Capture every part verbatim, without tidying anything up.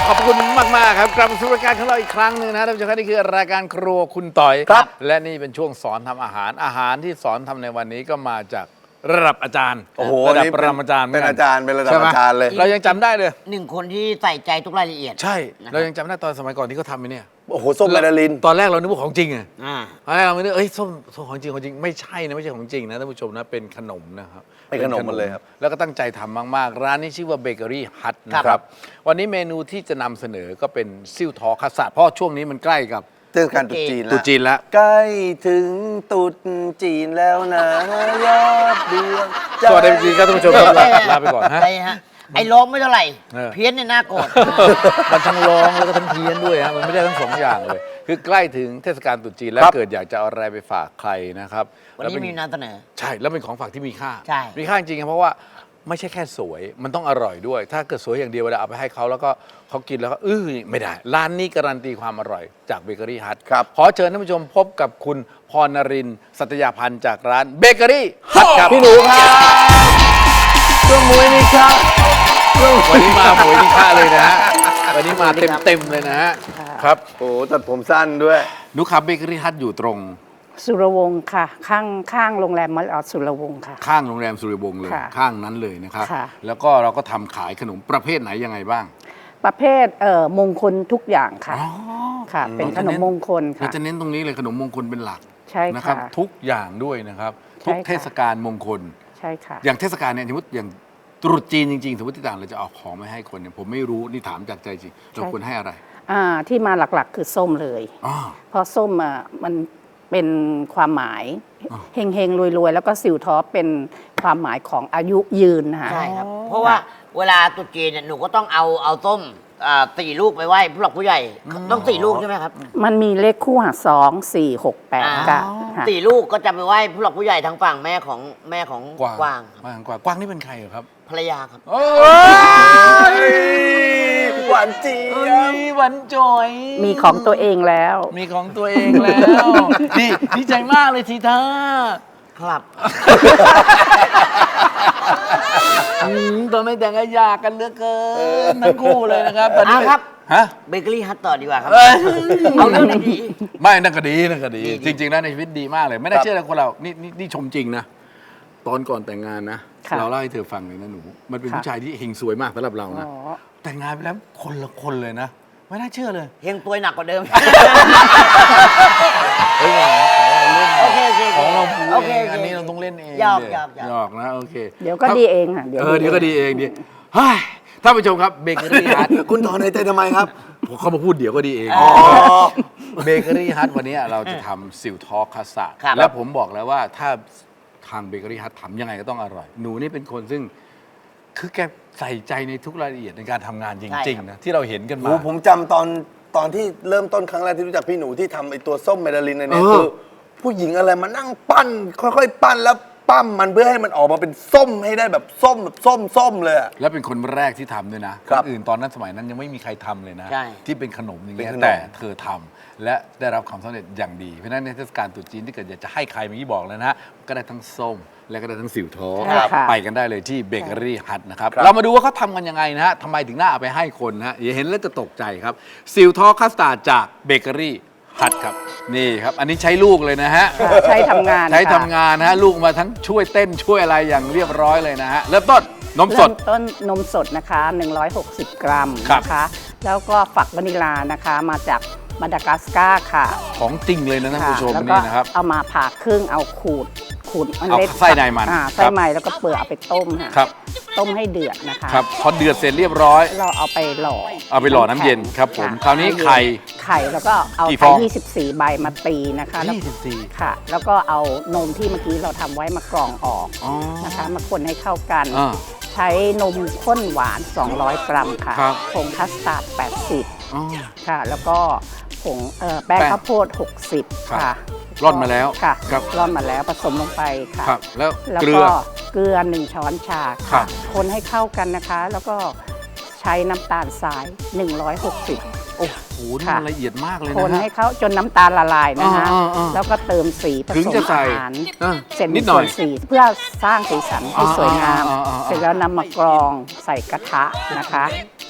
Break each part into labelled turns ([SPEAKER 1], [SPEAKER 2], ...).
[SPEAKER 1] ขอบคุณมากๆครับกลับมาสู่รายการของเราอีกครั้งหนึ่งนะท่านผู้ชมครับนี่คือรายการครัวคุณต่อยครับและนี่เป็นช่วงสอนทำอาหารอาหารที่สอนทำในวันนี้ก็มาจากระดับอาจารย์โอ้โหระดับปรมาจารย์
[SPEAKER 2] เป็นอาจารย์เป็นระดับอาจารย์เลย
[SPEAKER 1] เรายังจำได้เลย
[SPEAKER 3] หนึ่งคนที่ใส่ใจทุกรายละเอียด
[SPEAKER 1] ใช่เรายังจำได้ตอนสมัยก่อนที่เขาทำไอ้นี่
[SPEAKER 2] โอ้โหส้มแมนดาริน
[SPEAKER 1] ตอนแรกเรานึกว่าของจริงอ่ะ
[SPEAKER 3] อ่า
[SPEAKER 1] ตอนแรกเราไม่นึกเอ้ยส้มส้มของจริงของจริงไม่ใช่นะไม่ใช่ของจริงนะท่านผู้ชมนะเป็นขนมนะครับ
[SPEAKER 2] เป็นขนมมันเลยครับ
[SPEAKER 1] แล้วก็ตั้งใจทำมากๆร้านนี้ชื่อว่าเบเกอรี่ฮัทนะครับวันนี้เมนูที่จะนำเสนอก็เป็นซิ่วทอคัสสะเพราะช่วงนี้มันใกล้กับ
[SPEAKER 2] เทศกาลตรุษจีนแล้ว
[SPEAKER 1] ตรุษจีนแล้ว
[SPEAKER 2] ใกล้ถึงตรุษจีนแล้วนะยอดเดือน
[SPEAKER 1] สวัสดีครับท่านผู้ชมครับลาไปก่อนฮะ
[SPEAKER 3] ไอ้ฮะไอ้ร้องไม่เท่าไหร่เพี้ยนเนี่ยน่าโกรธ
[SPEAKER 1] มันทั้งร้องแล้วก็ทั้งเพี้ยนด้วยฮะมันไม่ได้ทั้งสองอย่างเลยคือใกล้ถึงเทศกาลตรุษจีนแล้วเกิดอยากจะเอาอะไรไปฝากใครนะครับ
[SPEAKER 3] วันนี้มีนำเสนอ
[SPEAKER 1] ใช่แล้วเป็นของฝากที่มีค่า
[SPEAKER 3] ใช่
[SPEAKER 1] มีค่าจริงๆเพราะว่าไม่ใช่แค่สวยมันต้องอร่อยด้วยถ้าเกิดสวยอย่างเดียวเวลาเอาไปให้เขาแล้วก็เขากินแล้วก็อื้อไม่ได้ร้านนี้การันตีความอร่อยจากเบเกอรี่ฮัท
[SPEAKER 2] ครับ
[SPEAKER 1] ขอเชิญท่านผู้ชมพบกับคุณพรนรินทร์สัตยาพันธ์จากร้านเบเกอรี่ฮัทครับ
[SPEAKER 2] พี่หนูครับช่วงมวยนี่ครับ
[SPEAKER 1] วันนี้มาหมวยมีค่าเลยนะฮะวันนี้มาเต็มๆเลยนะฮะครับ
[SPEAKER 2] โอ้ตัดผมสั้นด้วย
[SPEAKER 1] นุครับเบเกอรี่ฮัทอยู่ตรง
[SPEAKER 4] สุรวงศ์ค่ะข้างข้างโรงแรมมอลล์สุรวงศ์ค่ะ
[SPEAKER 1] ข้างโรงแรมสุรวงศ์เลยข้างนั้นเลยนะครับแล้วก็เราก็ทำขายขนมประเภทไหนยังไงบ้าง
[SPEAKER 4] ประเภทเอ่อมงคลทุกอย่างค่ะค่ะเป็นขนมมงคลค่ะ
[SPEAKER 1] เราจะเน้นตรงนี้เลยขนมมงคลเป็นหลัก
[SPEAKER 4] ใช่
[SPEAKER 1] นะครับทุกอย่างด้วยนะครับทุกเทศกาลมงคล
[SPEAKER 4] ใช่ค่ะ
[SPEAKER 1] อย่างเทศกาลเนี่ยสมมติอย่างตรุษจีนจริงๆสมมติที่ต่างเราจะเอาของมาให้คนเนี่ยผมไม่รู้นี่ถามจากใจจริงเราควรให้อะไร
[SPEAKER 4] อ่าที่มาหลักๆคือส้มเลยเพราะส้มอ่ะมันเป็นความหมายเฮงเฮงรวยรวยแล้วก็สิวท้อเป็นความหมายของอายุยืนนะคะ
[SPEAKER 3] ใช่ครับเพราะว่าเวลาตรุษจีนเนี่ยหนูก็ต้องเอาเอาส้มสี่ลูกไปไหว้ผู้หลักผู้ใหญ่ต้องสี่ลูกใช่ไหมครับ
[SPEAKER 4] มันมีเลขคู่หาสองสี่หกแปดค่ะ
[SPEAKER 3] สี่ลูกก็จะไปไหว้ผู้หลักผู้ใหญ่ทางฝั่งแม่ของแม่ของกวาง
[SPEAKER 1] กวางกวางกวางนี่เป็นใครครับ
[SPEAKER 3] ภรรยาครับ
[SPEAKER 2] หวานจี
[SPEAKER 1] หวานจอย
[SPEAKER 4] มีของตัวเองแล้ว
[SPEAKER 1] มีของตัวเองแล้วดีดีใจมากเลยทีท่า
[SPEAKER 3] ครับ
[SPEAKER 1] ตอนไม่แต่งก็ยากกันเหลือเกินทั้งคู่เลยนะครับตอนนี้
[SPEAKER 3] ครับ
[SPEAKER 1] ฮะ
[SPEAKER 3] เบเกอรี่ฮัทต่อดีกว่าครับเอาเรื่องไหนดี
[SPEAKER 1] ไม่นั่นก็ดีนั่นก็ดีจริงๆแล้วในชีวิตดีมากเลยไม่น่าเชื่อเลยคนเรานี่นี่ชมจริงนะตอนก่อนแต่งงานนะเราเล่าให้เธอฟังเลยนะหนูมันเป็นผู้ชายที่เฮงสวยมากสำหรับเรานะแต่งงานไปแล้วคนละคนเลยนะไม่น่าเชื่อเลย
[SPEAKER 3] เฮงตัวหนักกว่าเดิม
[SPEAKER 1] เฮ้ย
[SPEAKER 3] โอเคโอเค
[SPEAKER 1] ของเราพูดเองอันนี้เราต้องเล่นเอง
[SPEAKER 3] หยอกหยอก
[SPEAKER 1] หยอกนะโอเค
[SPEAKER 4] เดี๋ยวก็ดีเองค่ะ
[SPEAKER 1] เดี๋ยวเออเดี๋ยวก็ดีเองดีเฮ้ยท่านผู้ชมครับเบเกอรี่ฮัท
[SPEAKER 2] คุณถอนในใจทำไมครับ
[SPEAKER 1] เขามาพูดเดี๋ยวก็ดีเองเบเกอรี่ฮัทวันนี้เราจะทำซิลทอคัสสะแล้วผมบอกแล้วว่าถ้าทางเบเกอรี่ฮัททำยังไงก็ต้องอร่อยหนูนี่เป็นคนซึ่งคือแกใส่ใจในทุกรายละเอียดในการทำงานจริงๆนะที่เราเห็นกันมา
[SPEAKER 2] ผมจำตอนตอนที่เริ่มต้นครั้งแรกที่รู้จักพี่หนูที่ทำไอตัวส้มเมดาลินเนี่ยคือผู้หญิงอะไรมานั่งปั้นค่อยๆปั้นแล้วปั้มมันเพื่อให้มันออกมาเป็นส้มให้ได้แบบส้มแบบส้มส้มเลย
[SPEAKER 1] แล้วเป็นคนแรกที่ทำด้วยนะคนอื่นตอนนั้นสมัยนั้นยังไม่มีใครทำเลยนะที่เป็นขนมอย่างเงี้ยแต่เธอทำและได้รับความสำเร็จอย่างดีเพราะฉะนั้นในเทศกาลตรุษจีนที่เกิดอยากจะให้ใครเมื่อกี้บอกแล้วนะก็ได้ทั้งส้มและก็ได้ทั้งสิวท้อไปกันได้เลยที่เบเกอรี่ฮัทนะครับเรามาดูว่าเขาทำกันยังไงนะฮะทำไมถึงน่าเอาไปให้คนนะฮะอย่าเห็นแล้วจะตกใจครับสิวท้อคัสตาร์ดจากเบเกอรี่ฮัทครับนี่ครับอันนี้ใช้ลูกเลยนะฮะ
[SPEAKER 4] ใช้ทำงาน
[SPEAKER 1] ใช้ทำงานนะฮะลูกมาทั้งช่วยเต้นช่วยอะไรอย่างเรียบร้อยเลยนะฮะเริ่มต้นนมสด
[SPEAKER 4] ต้นนมสดนะคะหนึ่งร้อยหกสิบกรัมนะคะแล้วก็ฝักวานิลานะคะมาจากมาดากัสการ์ค่ะ
[SPEAKER 1] ของจริงเลยนะท่านผู้ชมนี่นะครับ
[SPEAKER 4] เอามาผ่าครึ่งเอาขูดขูด
[SPEAKER 1] เอาไส้ในมัน
[SPEAKER 4] ไส้ในแล้วก็เปลือกเอาไปต้มค่ะต้มให้เดือดนะคะ
[SPEAKER 1] ครับพอเดือดเสร็จเรียบร้อย
[SPEAKER 4] เราเอาไปหล่อ
[SPEAKER 1] เอาไปหล่อน้ำเย็นครับผมคราวนี้ไข่
[SPEAKER 4] ไข่แล้วก็เอาไข่ยี่สิบสี่ใบมาตีนะคะ
[SPEAKER 1] ยี่สิบสี่
[SPEAKER 4] ค่ะแล้วก็เอานมที่เมื่อกี้เราทำไว้มากรองออกนะคะมาคนให้เข้ากันใช้นมข้นหวานสองร้อยกรัมค่ะผงคัสตาร์ดแปดสิบค่ะแล้วก็ผงแป้งข้าวโพดหกสิบค่ะ
[SPEAKER 1] ร่อนมาแล้ว
[SPEAKER 4] ค่ะร่อนมาแล้วผสมลงไปค่ะ
[SPEAKER 1] แล้ว
[SPEAKER 4] เกลือเกลือหนึ่งช้อนชาค่ะคนให้เข้ากันนะคะแล้วก็ใช้น้ำตาลทรายหนึ่งร้อยหกสิบ
[SPEAKER 1] โอ้โหนี่มันละเอียดมากเลยนะ
[SPEAKER 4] คนให้เขาจนน้ำตาลละลายนะคะแล้วก็เติมสีผสมอาหารเสร็จนิดหน่อยสีเพื่อสร้างสีสันให้สวยงามเสร็จแล้วนำมากรองใส่กระทะนะคะ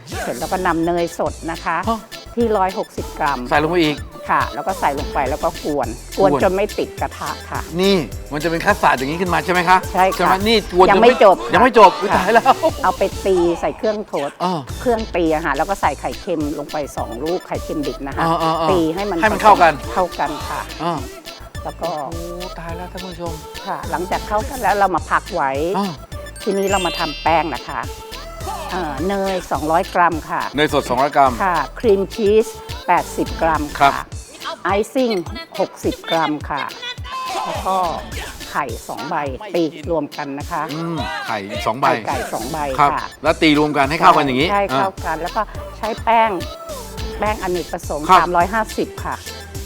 [SPEAKER 4] เสร็จแล้วก็นำเนยสดนะคะ
[SPEAKER 1] ฮะ
[SPEAKER 4] ที่ร้อยหกสิบกรัม
[SPEAKER 1] ใส่ลงไปอีก
[SPEAKER 4] ค่ะ แล้วก็ใส่ลงไปแล้วก็กวน กวน
[SPEAKER 1] กวน
[SPEAKER 4] จนไม่ติดกระทะค่ะ
[SPEAKER 1] นี่มันจะเป็นคัสตาร์ดอย่างนี้ขึ้นมาใช่ไหมคะ
[SPEAKER 4] ใช่ค่ะ
[SPEAKER 1] ไหมนี่กวน
[SPEAKER 4] ยังไม่จบค่ะ
[SPEAKER 1] ยังไม่จบอุ๊ย
[SPEAKER 4] ค่ะ
[SPEAKER 1] ตายแล้ว
[SPEAKER 4] เอาไปตีใส่เครื่องโทษ
[SPEAKER 1] อ่า
[SPEAKER 4] เครื่องตีอะค่ะแล้วก็ใส่ไข่เค็มลงไปสองลูกไข่เค็มดิบนะคะ
[SPEAKER 1] อ่าอ่าอ่า
[SPEAKER 4] ตีให้มัน
[SPEAKER 1] ให้มันเข้ากัน
[SPEAKER 4] เข้ากันค่ะ
[SPEAKER 1] อ่า
[SPEAKER 4] แล้วก็
[SPEAKER 1] โอ้ตายแล้วท่านผู้ชม
[SPEAKER 4] ค่ะ หลังจากเข้ากันแล้วเรามาพักไว้
[SPEAKER 1] อ่า
[SPEAKER 4] ทีนี้เรามาทำแป้งนะคะเอ่อเนย สองร้อย กรัมค่ะ
[SPEAKER 1] เนยสดสองร้อยกรัม
[SPEAKER 4] ค่ะ ครีมชีส แปดสิบ กรัม
[SPEAKER 1] ครั
[SPEAKER 4] ค่ะ
[SPEAKER 1] บ
[SPEAKER 4] ไอซิ่ง หกสิบ กรัมค่ะ แล้วก็ไข่สองใบตีรวมกันนะคะ
[SPEAKER 1] อืมไข่สองใบ
[SPEAKER 4] ไข่ไก่สองใบ
[SPEAKER 1] ครับ
[SPEAKER 4] ค่ะ
[SPEAKER 1] แล้วตีรวมกันให้เข้ากันอย่างนี้
[SPEAKER 4] ใช่
[SPEAKER 1] อ่า
[SPEAKER 4] เข้ากัน แล้วก็ใช้แป้ง แป้งอเนกประสงค์
[SPEAKER 1] ครับ
[SPEAKER 4] สามร้อยห้าสิบ ค่ะ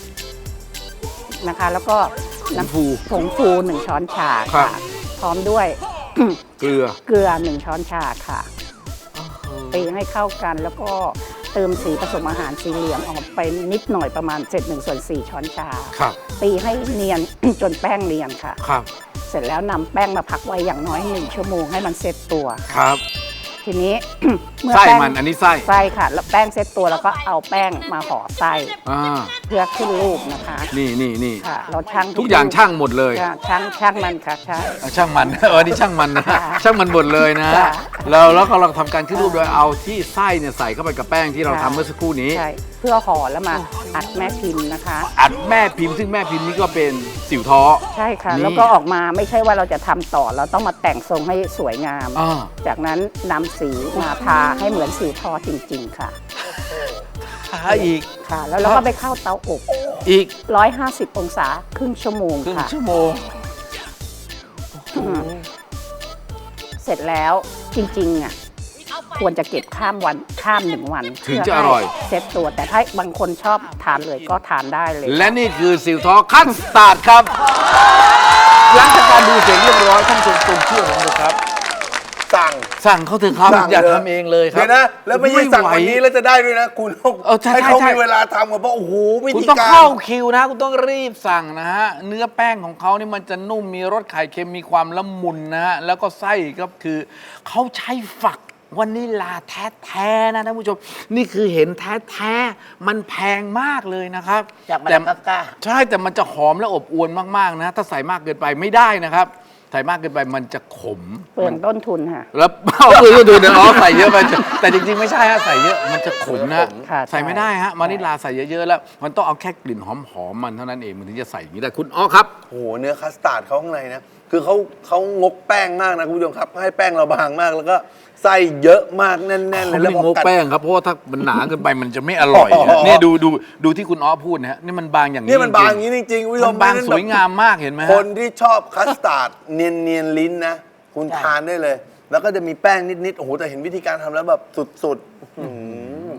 [SPEAKER 4] นะคะ แล้วก็
[SPEAKER 1] ผงฟู
[SPEAKER 4] ผงฟูหนึ่งช้อนชา
[SPEAKER 1] ครั
[SPEAKER 4] ค่ะ
[SPEAKER 1] บ
[SPEAKER 4] พร้อมด้วย
[SPEAKER 1] เกลือ
[SPEAKER 4] เกลือหนึ่งช้อนชาค่ะ ตีให้เข้ากันแล้วก็เติมสีผสมอาหารสีเหลืองออกไปนิดหน่อยประมาณเจ็ดหนึ่งส่วนสี่ช้อนชา
[SPEAKER 1] ครับ
[SPEAKER 4] ตีให้เนียน จนแป้งเนียนค่ะ
[SPEAKER 1] ครับ
[SPEAKER 4] เสร็จแล้วนำแป้งมาพักไว้อย่างน้อยหนึ่งชั่วโมงให้มันเซ็ตตัว
[SPEAKER 1] ครับ
[SPEAKER 4] ทีนี้ เมื่อ
[SPEAKER 1] ไส้
[SPEAKER 4] แป้ง
[SPEAKER 1] มันอันนี้ไส้
[SPEAKER 4] ไส้ค่ะ แล้วแป้งเซ็ตตัวแล้วก็เอาแป้งมาห่อไส้
[SPEAKER 1] อ่า
[SPEAKER 4] เพื่อขึ้นรูปนะคะ
[SPEAKER 1] นี่นี่นี่
[SPEAKER 4] ค่ะ เราช่าง
[SPEAKER 1] ทุกอย่างช่างหมดเลย
[SPEAKER 4] ค่ะช่างช่างมันค่ะใช่
[SPEAKER 1] อ่ะช่างมัน เออนี่ช่างมันนะ
[SPEAKER 4] ค่ะ
[SPEAKER 1] ช่างมันหมดเลยนะ
[SPEAKER 4] ค่ะ
[SPEAKER 1] แล้วแล้วก็เราทำการขึ้นรูปโดยเอาที่ไส้เนี่ยใส่เข้าไปกับแป้งที่เราทำเมื่อสักครู่นี้
[SPEAKER 4] ใช่เพื่อห่อแล้วมาอัดแม่พิมพ์นะคะ
[SPEAKER 1] อัดแม่พิมพ์ซึ่งแม่พิมพ์นี่ก็เป็นสิวท้อ
[SPEAKER 4] ใช่ค่ะ
[SPEAKER 1] นี่
[SPEAKER 4] แล้วก็ออกมาไม่ใช่ว่าเราจะทำต่อ เราต้องมาแต่งทรงให้สวยงาม
[SPEAKER 1] อ่า
[SPEAKER 4] จากนั้นนำสีมาทาให้เหมือนสีทอจริง ๆ ค่ะ
[SPEAKER 1] หาอีก
[SPEAKER 4] ค่ะ แล้วเราก็ไปเข้าเตาอบ
[SPEAKER 1] อีก
[SPEAKER 4] หนึ่งร้อยห้าสิบ องศาครึ่งชั่วโมง
[SPEAKER 1] ครึ่ง
[SPEAKER 4] ค่ะ
[SPEAKER 1] ชั่วโมง
[SPEAKER 4] อืมเสร็จแล้วจริงๆอ่ะควรจะเก็บข้ามวันข้ามหนึ่งวัน
[SPEAKER 1] ถึงจะอร่อย
[SPEAKER 4] เพื่ให้เซ็ตตัวแต่ถ้าบางคนชอบทานเลยก็ทานได้เลย
[SPEAKER 1] และนี่คือสิวท้อคัสตาร์ดครับ หลังจากการดูเสร็จเรียบร้อยท่านผู้ชมตรงเชื่อผมเลยครับ
[SPEAKER 2] สั่ง
[SPEAKER 1] สั่งเขาเถอะครับ
[SPEAKER 2] สั่ง
[SPEAKER 1] อย่า
[SPEAKER 2] เถอะ
[SPEAKER 1] ทำเองเลยครับ
[SPEAKER 2] เดี๋ยวนะ แล้วไม่ใช่สั่งวันนี้
[SPEAKER 1] ไห
[SPEAKER 2] แล้วจะได้ด้วยนะ คุณต้อง
[SPEAKER 1] เออใช่
[SPEAKER 2] ให้เขา
[SPEAKER 1] ใช่
[SPEAKER 2] มีเวลาทำก่อนเพราะโอ้โหวิ
[SPEAKER 1] คุณ
[SPEAKER 2] ธี
[SPEAKER 1] ต้อง
[SPEAKER 2] การ
[SPEAKER 1] เข้าคิวนะ คุณต้องรีบสั่งนะฮะ เนื้อแป้งของเขานี่มันจะนุ่มมีรสไข่เค็มมีความละมุนนะฮะ แล้วก็ไส้ก็คือเขาใช้ฝักวานิลลาแท้ๆนะท่านผู้ชม นี่คือเห็นแท้ๆมันแพงมากเลยนะครับ
[SPEAKER 3] จากมา
[SPEAKER 1] แต่
[SPEAKER 3] ดากัสการ์
[SPEAKER 1] ใช่แต่มันจะหอมและอบอวลมากๆนะ ถ้าใส่มากเกินไปไม่ได้นะครับ ใส่มากเกินไปมันจะขม
[SPEAKER 4] เปลืองต้นทุนค่ะ
[SPEAKER 1] แล้วเอาคือดูเดี๋ยวอ๋อใส่เยอะไปแต่จริงๆไม่ใช่ฮะใส่เยอะมันจะขมนะ
[SPEAKER 4] ค่ะ
[SPEAKER 1] ใส่ไม่ได้ฮะวานิลลาใส่เยอะๆแล้ว มันต้องเอาแค่กลิ่นหอมๆมันเท่านั้นเองมันถึงจะใส่อย่างนี้ได้คุณอ๋อครับ
[SPEAKER 2] โอ้โหเนื้อคัสตาร์ดเขาข้างในนะ คือเขาเขางกแป้งมากนะคุณผู้ชมครับ ให้แป้งเราบางมากแล้วก็ไส้เยอะมากแน่นๆเลย
[SPEAKER 1] เขา
[SPEAKER 2] แล้ว
[SPEAKER 1] ไม่
[SPEAKER 2] พ
[SPEAKER 1] ง
[SPEAKER 2] อก กัด
[SPEAKER 1] แป้งครับเพราะว่าถ้ามันหนาเกินไปมันจะไม่อร่อยนะเนี่ยดูดูดูที่คุณอ๋อพูดนะฮะนี่มันบางอย่างนี้
[SPEAKER 2] เนี่ยมันบางอย่าง
[SPEAKER 1] จริ
[SPEAKER 2] นี้จริงๆคุณผู้ช
[SPEAKER 1] มั
[SPEAKER 2] ม
[SPEAKER 1] นบาง
[SPEAKER 2] ไม่ได้
[SPEAKER 1] สวยงามมากเห็นไหมฮะ
[SPEAKER 2] คนที่ชอบคัสตาร์ดเนียนเนียนๆลิ้นนะ คุณทานได้เลย แล้วก็จะมีแป้งนิดๆโอ้โหแต่เห็นวิธีการทำแล้วแบบสุดๆอื้อหือ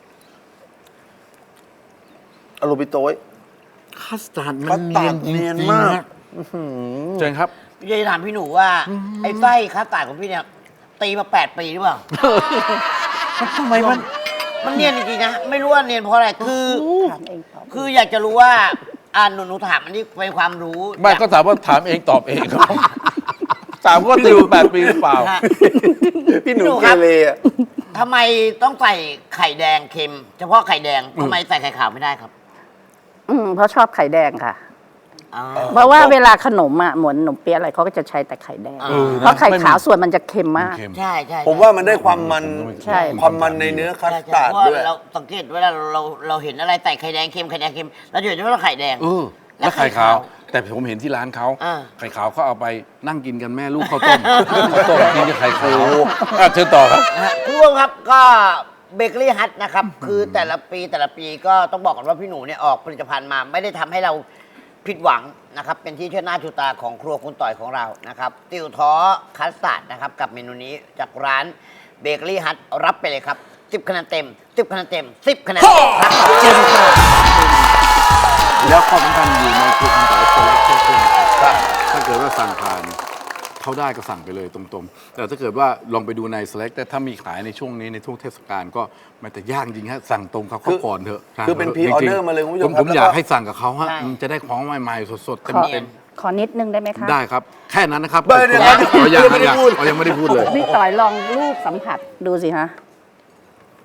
[SPEAKER 2] อโรบิโต้ย
[SPEAKER 1] คัสตาร์ดมั
[SPEAKER 2] คั
[SPEAKER 1] น
[SPEAKER 2] ส
[SPEAKER 1] เนี
[SPEAKER 2] ตาย ร์
[SPEAKER 1] น
[SPEAKER 2] ด
[SPEAKER 1] จริง
[SPEAKER 2] เนียน
[SPEAKER 1] ๆ
[SPEAKER 2] มาก
[SPEAKER 1] ฮะเชิญครับ
[SPEAKER 3] พี่จะถามพี่หนูว่า ไอ้ไส้คัสตาร์ดของพี่เนี่ย ตีมาแปดปีหรือเปล่า
[SPEAKER 1] ทำไมมัน
[SPEAKER 3] มันเนียนจริงๆนะ ไม่รู้ว่าเนียนเพราะอะไร คือ
[SPEAKER 4] ทานเองต่อ
[SPEAKER 3] คืออยากจะรู้ว่า อ่าหนูหนูถามอันนี้เป็นความรู้
[SPEAKER 1] ไม่ก็ถามว่าถามเองตอบเองครับถามว่าติวแปดปีหรือเปล่า
[SPEAKER 3] ฮะ
[SPEAKER 2] พี่หนู
[SPEAKER 3] พี่หนู
[SPEAKER 2] เก
[SPEAKER 3] ครับ
[SPEAKER 2] เรอะ
[SPEAKER 3] ทำไมต้องใส่ไข่แดงเค็ม เฉพาะไข่แดงทำไมใส่ไข่ขาวไม่ได้ครับ
[SPEAKER 4] อืมเพราะชอบไข่แดงค่ะ
[SPEAKER 3] อ๋อ
[SPEAKER 4] เพราะว่าเวลาขนมอ่ะเหมือนขนมเปี๊ยะอะไรเขาก็จะใช้แต่ไข่แดง
[SPEAKER 3] เออ
[SPEAKER 4] เพราะไข่ขาวส่วนมันจะเค็มมาก
[SPEAKER 1] เค็ม
[SPEAKER 3] ใช่ใช่
[SPEAKER 2] ผมว่ามันได้ความมัน
[SPEAKER 4] ใช่
[SPEAKER 2] ความมันในเนื้อคั
[SPEAKER 3] ใช่
[SPEAKER 2] ส
[SPEAKER 3] ใช่
[SPEAKER 2] ตาร์ด
[SPEAKER 3] เพราะ
[SPEAKER 2] ด้วย
[SPEAKER 3] เราสังเกตเวลาเราเราเห็นอะไรใส่ไข่แดงเค็มไข่แดงเค็มเราจะเห็นว่าไข่แดง
[SPEAKER 1] เออแล้วไข่ขาว แต่ผมเห็นที่ร้านเขา
[SPEAKER 3] อ่า
[SPEAKER 1] ไข่ขาวเขาเอาไปนั่งกินกันแม่ลูกข้าวต้มข้าวต้มกินกับไข่ขาวอ่ะเชิญต่อครับ
[SPEAKER 3] นะฮะคุณผู้ชมครับก็เบเกอรี่ฮัทนะครับ คือแต่ละปีแต่ละปีก็ต้องบอกก่อนว่าพี่หนูเนี่ยออกผลิตภัณฑ์มาไม่ได้ทำให้เราผิดหวังนะครับ เป็นที่เชื่อหน้าชูตาของครัวคุณต่อยของเรานะครับติวท้อคัสตาร์ดนะครับ กับเมนูนี้จากร้านเบเกอรี่ฮัทรับไปเลยครับสิบคะแนนเต็มสิบคะแนนเต็มสิบคะแนนเต็มครับเชิญครับ
[SPEAKER 1] แล้วข้อสำคัญอยู่ในครัวคุณต่อยโซเล็กเช่นครับถ้าเกิดว่าสั่งผ่านเขาได้ก็สั่งไปเลยตรงๆ แต่ถ้าเกิดว่าลองไปดูใน Select แต่ถ้ามีขายในช่วงนี้ในช่วงเทศกาลก็มันจะยากจริงฮะสั่งตรงเขาเขาก่อนเถอะสั่ง
[SPEAKER 2] คือเป็น
[SPEAKER 1] ถะ
[SPEAKER 2] pre order
[SPEAKER 1] จริงๆ
[SPEAKER 2] มาเลยคุณผู้ชม
[SPEAKER 1] ผ
[SPEAKER 2] ครับ
[SPEAKER 1] ผม
[SPEAKER 2] แล้วก็
[SPEAKER 1] อยากให้สั่งกับเขาฮะมันจะได้ของใหม่ๆสดๆ
[SPEAKER 4] ข
[SPEAKER 1] เต็
[SPEAKER 4] อ
[SPEAKER 1] ม
[SPEAKER 4] ขอนิดนึงได้ไหมคะ
[SPEAKER 1] ๆได้ครับ แค่นั้นนะครับ
[SPEAKER 2] เดี๋ยวเดี๋ยว
[SPEAKER 1] อ๋อยัง
[SPEAKER 2] ยังไม่ได้
[SPEAKER 1] ยัง
[SPEAKER 2] พูด
[SPEAKER 1] อ๋อยังไม่ได้พูดเลย
[SPEAKER 4] พี่ต่อยลองรูปสัมผัสดูสิฮะ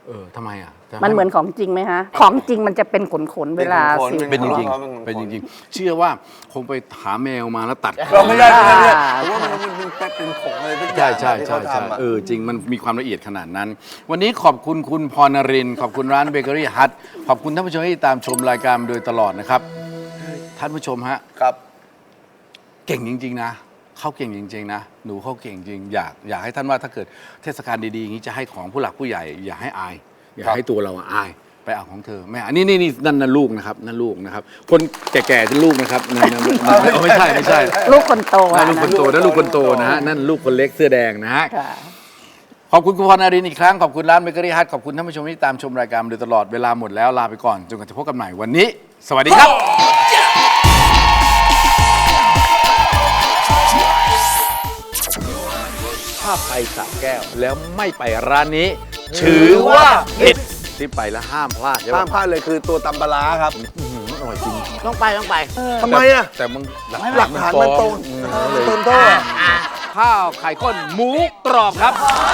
[SPEAKER 1] เออทำไมอ่ะจะ
[SPEAKER 4] มันเหมือนของจริงไหมฮะ ของจริงมันจะเป็นขนๆเวลา
[SPEAKER 2] เป็นขนๆ
[SPEAKER 4] สิ
[SPEAKER 1] เป็นจริง
[SPEAKER 2] ขนๆ
[SPEAKER 1] ๆเป็นจริงๆ เชื่อว่าคงไปหาแมวมาแล้วตัด
[SPEAKER 2] เราไม่ได้ไม่ได้เนี่ยผมว่ามันมันมันเป็นเป็นผงอะไรทุกอ
[SPEAKER 1] ใช่
[SPEAKER 2] ย่าง
[SPEAKER 1] ใช่
[SPEAKER 2] ที่
[SPEAKER 1] ใช่
[SPEAKER 2] เขา
[SPEAKER 1] ใช่
[SPEAKER 2] ทำอะ
[SPEAKER 1] เออจริงมันมีความละเอียดขนาดนั้น วันนี้ขอบคุณคุณพรนรินทร์ขอบคุณร้านเบเกอรี่ฮัทขอบคุณท่านผู้ชมที่ตามชมรายการมาโดยตลอดนะครับ ท่านผู้ชมฮะ
[SPEAKER 2] ครับ
[SPEAKER 1] เก่งจริง ๆ นะเขาเก่งจริง ๆ นะ หนูเขาเก่งจริง อยากอยากให้ท่านว่าถ้าเกิดเทศกาลดีๆอย่างนี้จะให้ของผู้หลักผู้ใหญ่ อย่าให้อาย อย่าให้ตัวเราอายไปเอาของเธอแม่อันนี้นี่นี่นั่นนั่นลูกนะครับนั่นลูกนะครับ คนแก่ๆเป็นลูกนะครับนั่นนั่นเอาไม่ใช่ไม่ใช่
[SPEAKER 4] ลูกคนโต
[SPEAKER 1] นั่
[SPEAKER 4] อะ
[SPEAKER 1] นลูกคนโตนั่นลูกคนโตนะฮะนั่นลูกคนเล็กเสื้อแดงนะฮะ
[SPEAKER 4] ค่ะ
[SPEAKER 1] ขอบคุณคุณพรนรินทร์อีกครั้ง ขอบคุณร้านเบเกอรี่ฮัทขอบคุณท่านผู้ชมที่ตามชมรายการมาโดยตลอดเวลาหมดแล้วลาไปก่อนจนกว่าจะพบกันใหม่วันนี้ สวัสดีครับ ถ้าไปสระแก้วแล้วไม่ไปร้านนี้ ถือว่าผิดที่ไปแล้วห้ามพลาดใช่
[SPEAKER 2] ห้า
[SPEAKER 1] ปะ
[SPEAKER 2] มพลาดเลยคือตัวตำปลาร้าครับ
[SPEAKER 1] อื้อหืออร่อยจริง
[SPEAKER 3] ต้องไปต้องไป
[SPEAKER 2] ทำไมอ่ะ
[SPEAKER 1] แต่มึงหลัก
[SPEAKER 2] หลักฐานมันตรง
[SPEAKER 1] อืม
[SPEAKER 2] มัน
[SPEAKER 1] เลย
[SPEAKER 2] ตรงโทษอะ
[SPEAKER 1] ข้าวไข่ข้นหมูกรอบครับ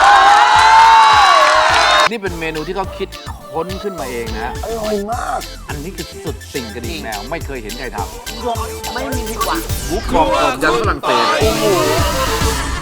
[SPEAKER 1] นี่เป็นเมนูที่เขาคิดค้นขึ้นมาเองนะ
[SPEAKER 2] อร่อยมาก
[SPEAKER 1] อันนี้คือสุดสิ่งกระดิ่งแมวไม่เคยเห็นใครทำ
[SPEAKER 3] รวมไม่มีผิดหวัง
[SPEAKER 1] หมูกรอบกรอบยันฝรั่งเศส